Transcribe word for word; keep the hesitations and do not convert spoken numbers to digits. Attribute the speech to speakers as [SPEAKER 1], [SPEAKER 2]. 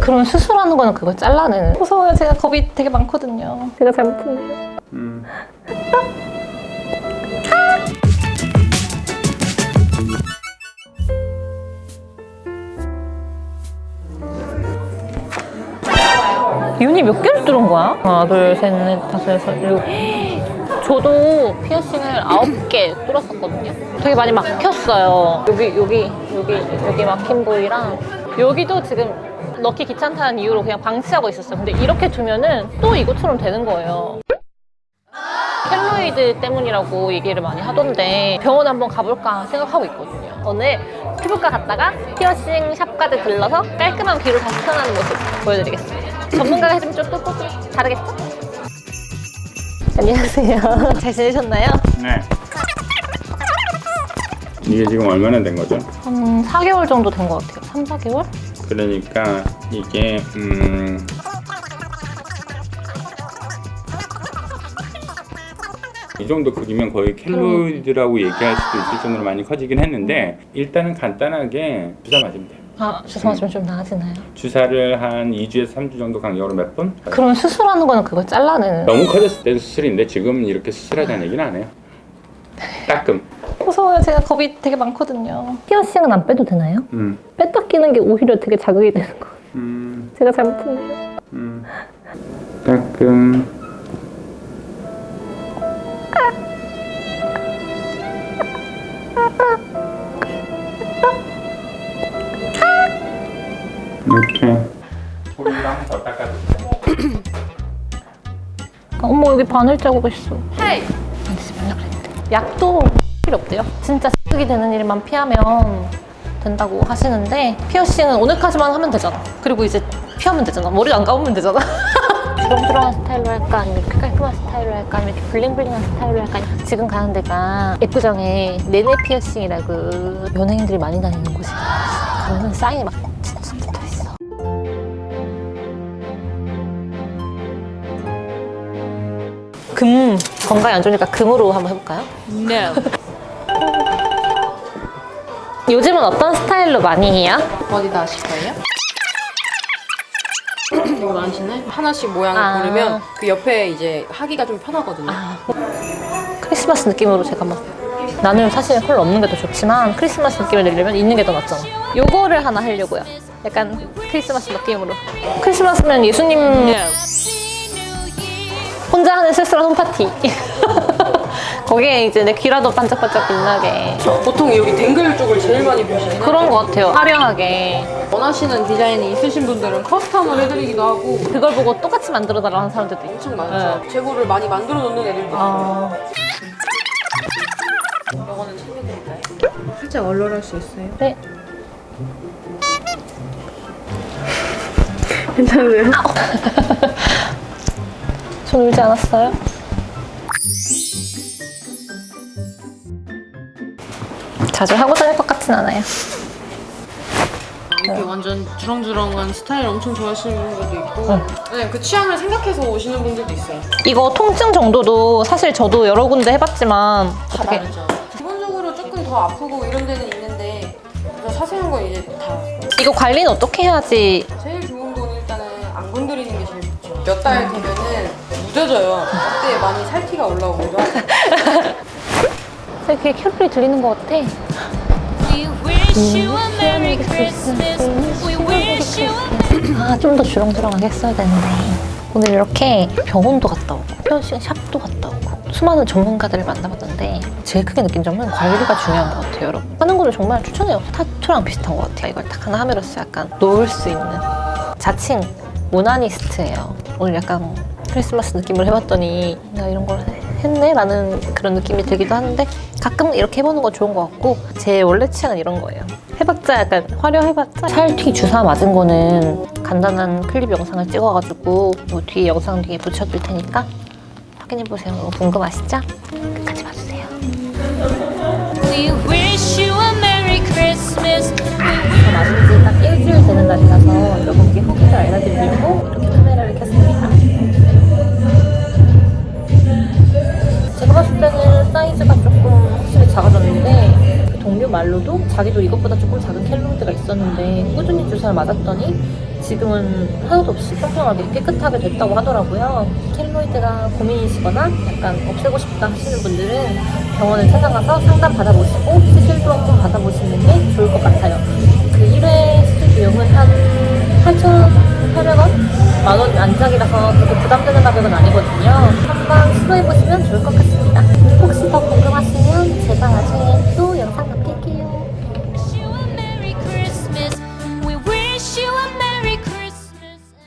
[SPEAKER 1] 그러면 수술하는 거는 그걸 잘라내는. 무서워요. 제가 겁이 되게 많거든요. 제가 잘못했네요.
[SPEAKER 2] 음.
[SPEAKER 1] 윤이 몇 개를 뚫은 거야? 하나, 둘, 셋, 넷, 다섯, 여섯, 일곱. 저도 피어싱을 아홉 개 뚫었었거든요. 되게 많이 막혔어요. 여기, 여기, 여기, 여기 막힌 부위랑 여기도 지금 넣기 귀찮다는 이유로 그냥 방치하고 있었어요. 근데 이렇게 두면은 또 이것처럼 되는 거예요. 켈로이드 때문이라고 얘기를 많이 하던데 병원 한번 가볼까 생각하고 있거든요. 오늘 피부과 갔다가 피어싱 샵까지 들러서 깔끔한 귀로 다시 태어나는 모습 보여드리겠습니다. 전문가가 해주면 좀 또 다르겠죠? 안녕하세요. 잘 지내셨나요?
[SPEAKER 2] 네. 이게 지금 얼마나 된 거죠?
[SPEAKER 1] 한 사 개월 정도 된 것 같아요. 삼, 사 개월?
[SPEAKER 2] 그러니까 이게 음. 이 정도 크기면 거의 켈로이드라고 얘기할 수도 있을 정도로 많이 커지긴 했는데 일단은 간단하게 주사 맞으면 돼요.
[SPEAKER 1] 아, 주사 맞으면 좀 나아지나요?
[SPEAKER 2] 주사를 한 이 주에서 삼 주 정도 간격으로 몇 번?
[SPEAKER 1] 그러면 수술하는 거는 그걸 잘라내는.
[SPEAKER 2] 너무 커졌을 때는 수술인데 지금은 이렇게 수술하자는 얘기는 안 해요. 따끔.
[SPEAKER 1] 무서워요. 제가 겁이 되게 많거든요. 피어싱은 안 빼도 되나요?
[SPEAKER 2] 음.
[SPEAKER 1] 뺐다 끼는 게 오히려 되게 자극이 되는 거.
[SPEAKER 2] 음.
[SPEAKER 1] 제가 잘못했네요.
[SPEAKER 2] 음. 따끔. 이렇게 소리를 한번 더 닦아주세요.
[SPEAKER 1] 어머, 여기 바늘 자국 있어. 헤이! 만지지 말라 그랬는데. 약도 필요 없대요. 진짜 자극이 되는 일만 피하면 된다고 하시는데 피어싱은 오늘까지만 하면 되잖아. 그리고 이제 피하면 되잖아. 머리 안 감으면 되잖아. 주렁주렁한 스타일로 할까? 아니면 이렇게 깔끔한 스타일로 할까? 아니면 이렇게 블링블링한 스타일로 할까? 지금 가는 데가 애구정에 네네 피어싱이라고 연예인들이 많이 다니는 곳이에요. 그러면 사인이 막 진짜 붙어있어. 금 건강에 안 좋으니까 금으로 한번 해볼까요?
[SPEAKER 3] No.
[SPEAKER 1] 요즘은 어떤 스타일로 많이 해요?
[SPEAKER 3] 어디다 하실 거예요? 이거 많으시네? 하나씩 모양을
[SPEAKER 1] 아.
[SPEAKER 3] 고르면 그 옆에 이제 하기가 좀 편하거든요.
[SPEAKER 1] 아, 크리스마스 느낌으로 제가 막 나는 사실 컬 없는 게 더 좋지만 크리스마스 느낌을 내려면 있는 게 더 낫잖아. 요거를 하나 하려고요. 약간 크리스마스 느낌으로. 크리스마스면 예수님 혼자 하는 쓸쓸한 홈파티. 거기에 이제 내 귀라도 반짝반짝 빛나게.
[SPEAKER 3] 보통 여기 댕글 쪽을 제일 많이 보시는
[SPEAKER 1] 그런 것 같아요. 화려하게.
[SPEAKER 3] 원하시는 디자인이 있으신 분들은 커스텀을 해드리기도 하고
[SPEAKER 1] 그걸 보고 똑같이 만들어달라고 하는 사람들도 있죠.
[SPEAKER 3] 엄청 많죠. 재고를 많이 만들어 놓는 애들도 있어요.
[SPEAKER 1] 아,
[SPEAKER 3] 이거는 챙겨드릴까요? 살짝 얼얼할 수 있어요.
[SPEAKER 1] 네.
[SPEAKER 3] 괜찮으세요?
[SPEAKER 1] 전 울지 않았어요. 자주 하고 다닐 것 같진 않아요.
[SPEAKER 3] 이렇게 완전 주렁주렁한 스타일 엄청 좋아하시는 분들도 있고
[SPEAKER 1] 응.
[SPEAKER 3] 네, 그 취향을 생각해서 오시는 분들도 있어요.
[SPEAKER 1] 이거 통증 정도도 사실 저도 여러 군데 해봤지만
[SPEAKER 3] 다
[SPEAKER 1] 어떻게
[SPEAKER 3] 다르죠. 기본적으로 조금 더 아프고 이런 데는 있는데 더 자세한 건 이제 다
[SPEAKER 1] 이거 관리는 어떻게 해야지?
[SPEAKER 3] 제일 좋은 건 일단은 안 건드리는 게 제일 좋죠. 몇 달 되면은 무뎌져요. 그때 많이 살티가 올라오기도 하고.
[SPEAKER 1] 되게 캐롤이 들리는 것 같아.
[SPEAKER 4] We wish you a Merry Christmas. We wish you a
[SPEAKER 1] 아, 좀 더 주렁주렁하게 했어야 되는데. 오늘 이렇게 병원도 갔다 오고 피어싱 샵도 갔다 오고 수많은 전문가들을 만나봤는데 제일 크게 느낀 점은 관리가 중요한 것 같아요, 여러분. 하는 거를 정말 추천해요. 타투랑 비슷한 것 같아요. 이걸 딱 하나 함으로써 약간 놓을 수 있는 자칭 모나니스트예요. 오늘 약간 크리스마스 느낌을 해봤더니 내가 이런 걸 했네? 라는 그런 느낌이 들기도 하는데 가끔 이렇게 해보는 건 좋은 것 같고 제 원래 취향은 이런 거예요. 해봤자 약간 화려해봤자 살튀 주사 맞은 거는 간단한 클립 영상을 찍어가지고 뭐 뒤에 영상 뒤에 붙여둘 테니까 확인해보세요. 너무 궁금하시죠? 끝까지 봐주세요.
[SPEAKER 4] We wish you a Merry Christmas.
[SPEAKER 1] 저 맞은 지 딱 일주일 되는 날이라서 여러분께 후기를 알려드리려고 이렇게 카메라를 켰습니다. 제가 봤을 때는 사이즈가 조금 확실히 작아졌는데 그 동료 말로도 자기도 이것보다 조금 작은 켈로이드가 있었는데 꾸준히 주사를 맞았더니 지금은 하나도 없이 평평하게 깨끗하게 됐다고 하더라고요. 켈로이드가 고민이시거나 약간 없애고 싶다 하시는 분들은 병원을 찾아가서 상담 받아보시고 시술도 한번 받아보시는 게 좋을 것 같아요. 그 일 회 시술 비용은 한 팔천팔백 원? 만 원 안짝이라서 그렇게 부담되는 가격은 아니거든요. 한번 시도해보시면 좋을 것 같습니다.